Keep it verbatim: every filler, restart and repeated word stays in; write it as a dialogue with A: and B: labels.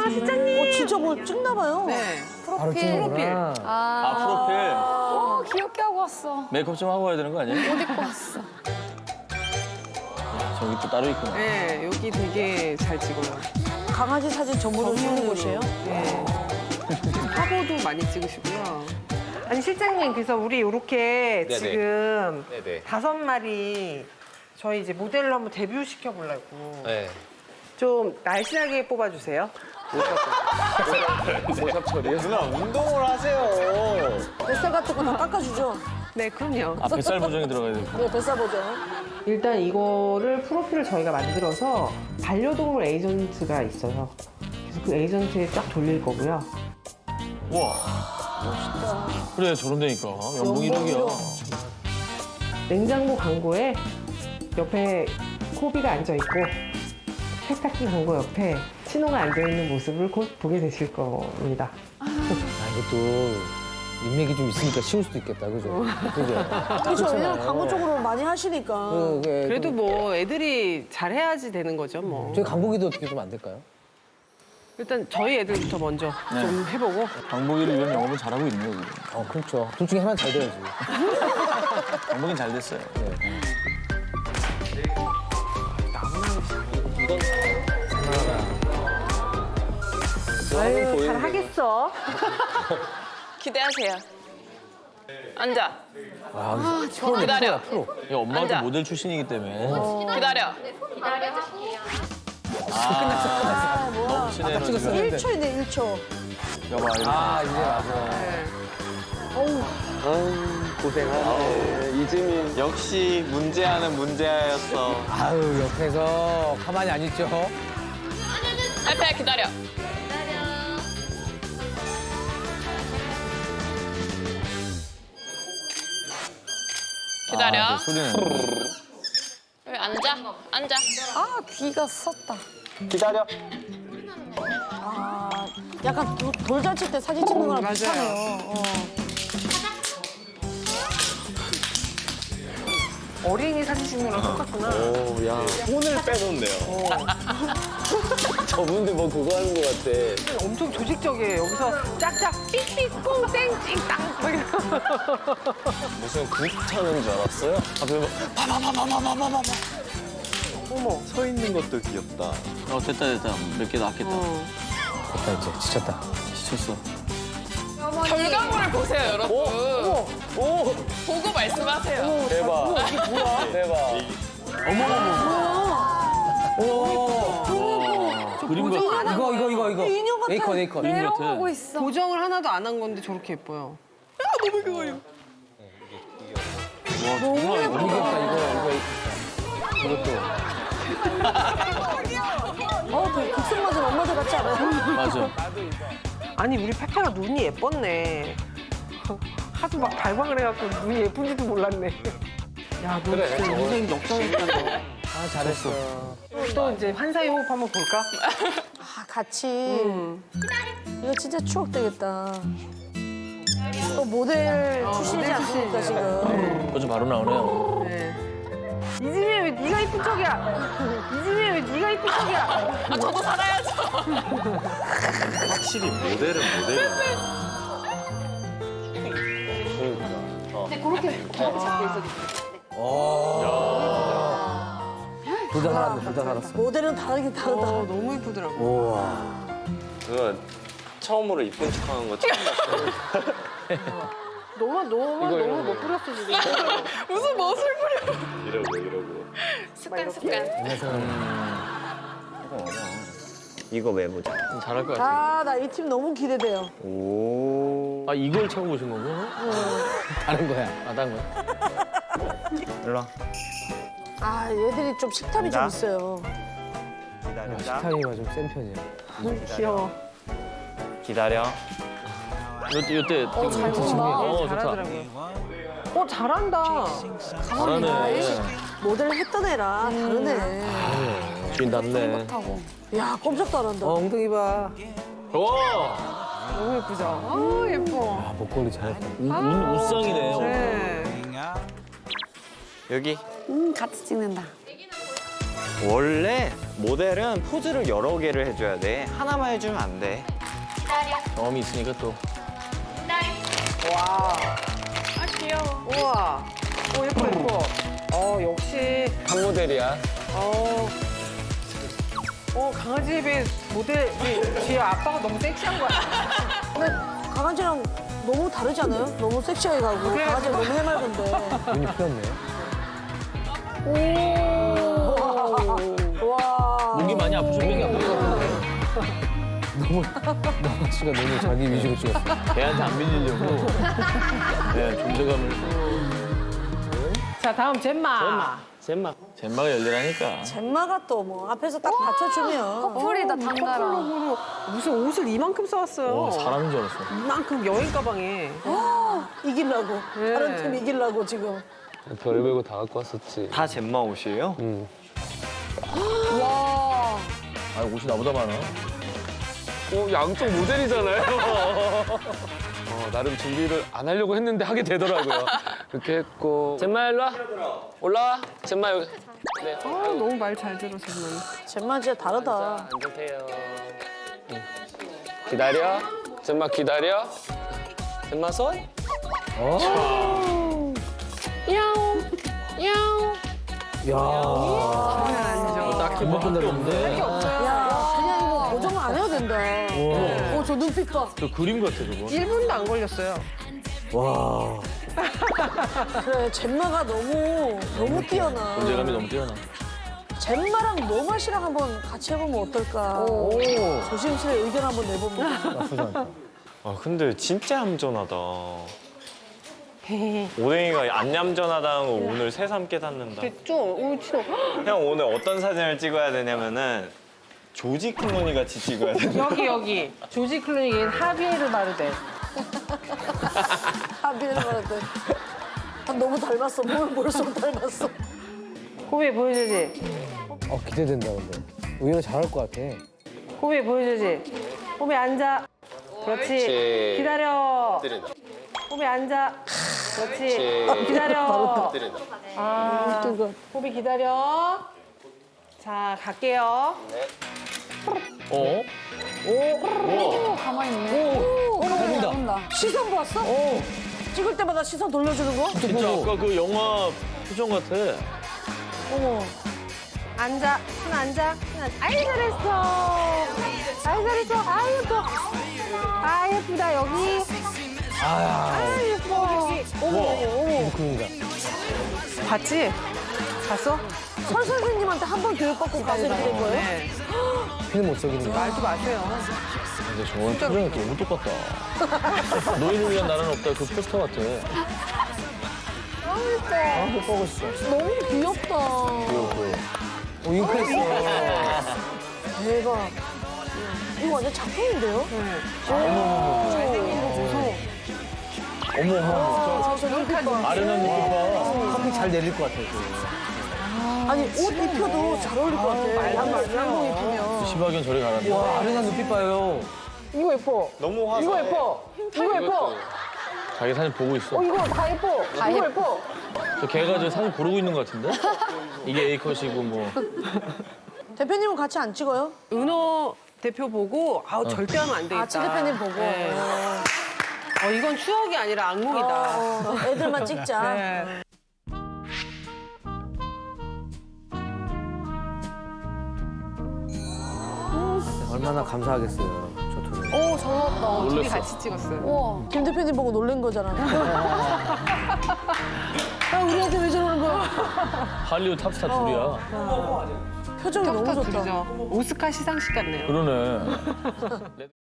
A: 실장님.
B: 어, 진짜 뭐 찍나 봐요.
A: 네.
C: 바로 찍는구나.
A: 아,
D: 아, 프로필.
A: 어, 귀엽게 하고 왔어.
D: 메이크업 좀 하고 와야 되는 거 아니에요?
A: 옷 입고 왔어.
D: 저기 또 따로 있구나.
A: 네, 여기 되게 잘 찍어요.
B: 강아지 사진 전문으로 찍는 곳이에요?
A: 네. 화보도 많이 찍으시고요.
E: 아니 실장님 그래서 우리 이렇게
F: 네네.
E: 지금
F: 네네.
E: 다섯 마리 저희 이제 모델로 한번 데뷔 시켜 보려고
F: 네.
E: 좀 날씬하게 뽑아주세요.
F: 메이크업 처리요? 누나 운동을 하세요.
B: 뱃살 같은 거 다 깎아주죠?
E: 네, 그럼요.
D: 아, 뱃살 보정이 들어가야 돼.
B: 네, 뱃살 보죠.
E: 일단 이거를 프로필을 저희가 만들어서 반려동물 에이전트가 있어요. 그래서 그 에이전트에 쫙 돌릴 거고요.
D: 우와. 멋있다. 그래, 저런 데니까. 연봉 일억이야.
E: 냉장고 광고에 옆에 코비가 앉아있고 세탁기 광고 옆에 신호가 앉아있는 모습을 곧 보게 되실 겁니다.
C: 아, 이것도 인맥이 좀 있으니까 쉬울 수도 있겠다, 그죠? 그죠?
B: 그렇죠. 왜냐면 광고 쪽으로 많이 하시니까.
C: 그, 그,
E: 그래도 뭐 애들이 잘해야지 되는 거죠, 뭐.
C: 저희 강복이도 어떻게 좀 안 될까요?
E: 일단 저희 애들부터 먼저
D: 네.
E: 좀 해보고.
D: 강복이를 위한 영업을 잘하고 있네요, 지금.
C: 어, 그렇죠. 둘 중에 하나 잘 돼야지.
D: 강복이는 잘 됐어요.
E: 아유, 잘하겠어.
G: 기대하세요. 앉아.
C: 아, 프로네,
G: 기다려.
C: 프로야, 프로.
D: 이 엄마도
G: 앉아.
D: 모델 출신이기 때문에.
G: 기다려.
B: 아, 뭐야.
D: 너무 친해요. 지금.
B: 일 초인데, 일 초.
D: 여봐, 이렇게.
C: 아, 이제 맞아.
F: 고생하네. 이지민 역시 문제아는 문제아였어.
C: 아유, 옆에서 가만히 안 있죠?
G: 알파야 기다려. 기다려.
D: 아, 그 소리는.
G: 여기 앉아. 앉아.
A: 아, 귀가 썼다.
F: 기다려.
B: 아, 약간 도- 돌잔치 때 사진 찍는 거랑
E: 맞아요.
B: 비슷하네요. 어.
E: 어린이 사진 찍는 거랑 똑같구나.
F: 오, 야. 손을 빼놓네요. 저분들 뭐 그거 하는 것 같아.
E: 엄청 조직적이에요. 여기서 짝짝 삑삑 뽕땡 찡땅. 막 이러고.
F: 무슨 국 타는 줄 알았어요? 앞에 뭐 파파파파파파파파.
E: 어머.
F: 서 있는 것도 귀엽다.
D: 어, 됐다, 됐다. 몇 개 낫겠다.
E: 어.
C: 됐다, 이제. 지쳤다.
D: 지쳤어.
G: 결과물을 보세요, 여러분.
F: 오!
G: 보고 말씀하세요.
F: 대박. 대박.
D: 그림 같아.
C: 이거, 이거, 이거, 이거.
B: 인형 같아.
C: 에이컨, 에이컨.
D: 그림 같아.
A: 내려가고 있어.
E: 보정을 하나도 안 한 건데 저렇게 예뻐요.
D: 와, 정말
C: 이거
D: 이거.
C: 귀엽다, 이거, 이거. 이것도.
B: 어, 그 극성 맞은 엄마들 같지 않아요?
D: 맞아.
E: 아니 우리 페페가 눈이 예뻤네. 하도 막 발광을 해갖고 눈이 예쁜지도 몰랐네. 야, 너
F: 그래,
E: 진짜
F: 저거.
E: 인생 역전했다 너.
C: 아, 잘했어.
E: 또, 또 이제 환사의 호흡 한번 볼까?
B: 아, 같이.
E: 음.
B: 이거 진짜 추억 되겠다. 또 모델 출신이지
E: 모델
B: 않습니까,
E: 출신이잖아요.
B: 지금?
D: 벌써 바로 나오네요.
E: 네. 이지민 왜 네가 이쁜 척이야? 이지민 왜 네가 이쁜 척이야?
G: 아, 저도 살아야죠.
F: 확실히 모델은 모델이네.
C: 둘 다 살았네, 둘 다 살았어.
B: 모델은 다르긴 다르다.
E: 어, 너무 이쁘더라고.
C: 우와.
F: 그거 처음으로 이쁜 척하는 거 처음 봤어요.
E: 너무 너무 너무 못 뿌렸어 지금.
G: 무슨 멋을 부려.
F: 이러고 이러고.
G: 습관, 습관.
F: 이거 메모자.
D: 잘할 것 같아.
B: 아, 나 이 팀 너무 기대돼요.
F: 오.
D: 아, 이걸 차고 보신 거고?
C: 다른 거야.
D: 아, 딴 거야?
F: 일로 와.
B: 아, 얘들이 좀 식탐이 좀
F: 간다.
B: 있어요.
F: 기다려.
C: 식탐이가 좀 센 편이야.
E: 귀여워.
F: 기다려.
D: 요때, 요때.
A: 어, 잘
D: 찍-
A: 본다.
D: 어, 좋다.
E: 잘하더라고요. 어 잘한다.
D: 잘하네.
B: 모델 했던 애랑 다르네.
D: 주인답네.
A: 하고.
B: 야, 꼼짝도 안 한다.
C: 어, 엉덩이 봐.
D: 와!
E: 너무 예쁘죠? 아 예뻐.
C: 아, 목걸이 잘했다.
D: 우, 우, 우상이네.
E: 네.
F: 여기.
A: 음, 같이 찍는다.
F: 원래 모델은 포즈를 여러 개를 해줘야 돼. 하나만 해주면 안 돼.
D: 경험이 있으니까 또.
E: 와,
G: 아 귀여워.
E: 우와. 오, 예뻐, 예뻐. 어, 역시,
C: 한 모델이야.
E: 어. 어, 강아지에 비해 모델, 뒤에 아빠가 너무 섹시한 거 같아.
B: 근데 강아지랑 너무 다르지 않아요? 너무 섹시하게 가고
E: 그래.
B: 강아지가 너무 해맑은데.
C: 눈이 풀렸네.
B: 와.
D: 목이 많이 아프셨겠네.
C: 너무 나만 씨가 너무 자기 위주로 찍었어.
D: 걔한테 안 밀리려고. 네, 존재감을.
E: 자, 다음 젬마.
F: 잼마.
D: 젠마가 열리라니까.
B: 젬마가 또 뭐 앞에서 딱 받쳐주면.
A: 커플이다, 당나라.
E: 커플룩으로 무슨 옷을 이만큼 써왔어요.
D: 와, 사람인 줄 알았어.
E: 이만큼 여행 가방에.
B: 이기려고.
E: 네.
B: 다른 팀 이기려고 지금.
C: 별 베고 다 갖고 왔었지.
F: 다 잼마 옷이에요?
C: 응.
A: 와.
D: 아, 옷이 나보다 많아.
C: 어, 양쪽 모델이잖아요. 어, 나름 준비를 안 하려고 했는데 하게 되더라고요. 그렇게 했고. 젠마 일로 와. 올라와. 젠마 여기. 네.
E: 아, 너무 말 잘 들어, 젬마.
B: 젬마 진짜 다르다.
C: 앉으세요. 응. 기다려. 젠마 기다려. 젠마 손. 어. 야옹. 야옹. 야.
D: 딱 금방 끝나는데.
B: 야, 그냥 이거 고정을 안 해도 된다. 어, 저 눈빛 봐.
D: 저 그림 같아, 저거.
E: 일 분도 안 걸렸어요.
C: 와.
B: 그래, 젬마가 너무, 너무 뛰어나.
D: 존재감이 너무 뛰어나.
B: 젬마랑 노맛이랑 한번 같이 해보면 어떨까.
C: 오.
B: 조심스레 의견 한번 내봅니다.
C: 나쁘지 않다.
F: 아, 근데 진짜 얌전하다. 오뎅이가 안 얌전하다는 거 오늘 새삼 깨닫는다.
E: 좀, 오, 치노.
F: 형 오늘 어떤 사진을 찍어야 되냐면은 조지 클로니 같이 찍어야 돼.
E: 여기, 여기. 조지 클루니의 하비에르 바르데.
B: 하비를 말할 아, 너무 닮았어. 보면 볼수록 닮았어.
E: 호비 보여주지?
C: 어, 기대된다, 근데. 의외로 잘할 것 같아.
E: 호비 보여주지? 호비 앉아. 그렇지.
C: 그렇지.
E: 기다려.
C: 때린다.
E: 호비 앉아. 그렇지.
C: 그렇지.
E: 기다려.
C: 때린다.
E: 아, 호비 기다려. 자, 갈게요.
D: 어?
A: 오, 가만히 있네. 오,
C: 잘본다.
A: 잘본다.
B: 시선 봤어? 찍을 때마다 시선 돌려주는 거?
D: 진짜 아까 그 영화 표정 같아.
B: 어머.
E: 앉아. 손 앉아. 손 앉아. 아이, 잘했어. 아이, 잘했어. 아이, 예뻐. 아, 예쁘다, 여기. 아, 예뻐. 어머, 어머.
C: 그런가.
E: 봤지? 봤어?
B: 설 선생님한테 한 번 교육받고 가서 이렇게 된 거예요?
E: 네.
C: 피는 못 속이는 거.
E: 말도 마세요.
D: 근데 저건 표정이 너무 똑같다. 노인을 위한 나라는 없다. 그 포스터 같아.
C: 아, 못 보고 싶어.
B: 너무 귀엽다.
C: 귀엽고. 오, 잉크했어.
B: 대박. 이거 완전 작품인데요?
E: 잘생긴 거 보소.
D: 어머, 어머.
B: 아, 저 눈빛 봐.
D: 아련한 느낌 봐.
C: 커피 잘 내릴 것 같아, 그.
B: 아니, 옷 입혀도 잘 어울릴 것 같아.
E: 말도 마세요.
B: 양복 입히면.
D: 시바견 저리 가란다.
C: 와, 아련한 눈빛 봐요.
E: 이거 예뻐.
F: 너무 화사해.
E: 이거 예뻐. 이거 예뻐.
D: 자기 사진 보고 있어.
E: 어, 이거 다 예뻐. 이거 예뻐.
D: 저 걔가 저 사진 고르고 있는 것 같은데? 이게 A컷이고 뭐.
B: 대표님은 같이 안 찍어요?
E: 은호 대표 보고 아우 절대 하면 안 되겠다.
B: 아, 치 대표님 보고.
E: 네.
B: 어,
E: 어, 이건 추억이 아니라 악몽이다.
B: 어, 애들만 찍자.
E: 네.
C: 얼마나 감사하겠어요, 저 둘은.
A: 오, 잘 나왔다.
E: 둘이
D: 놀랬어.
E: 같이 찍었어요.
A: 우와.
B: 김 대표님 보고 놀란 거잖아. 아, 우리한테 왜 저러는 거야?
D: 할리우드 탑스타 둘이야.
B: 표정이 너무 좋다.
E: 둘이죠. 오스카 시상식 같네요.
D: 그러네.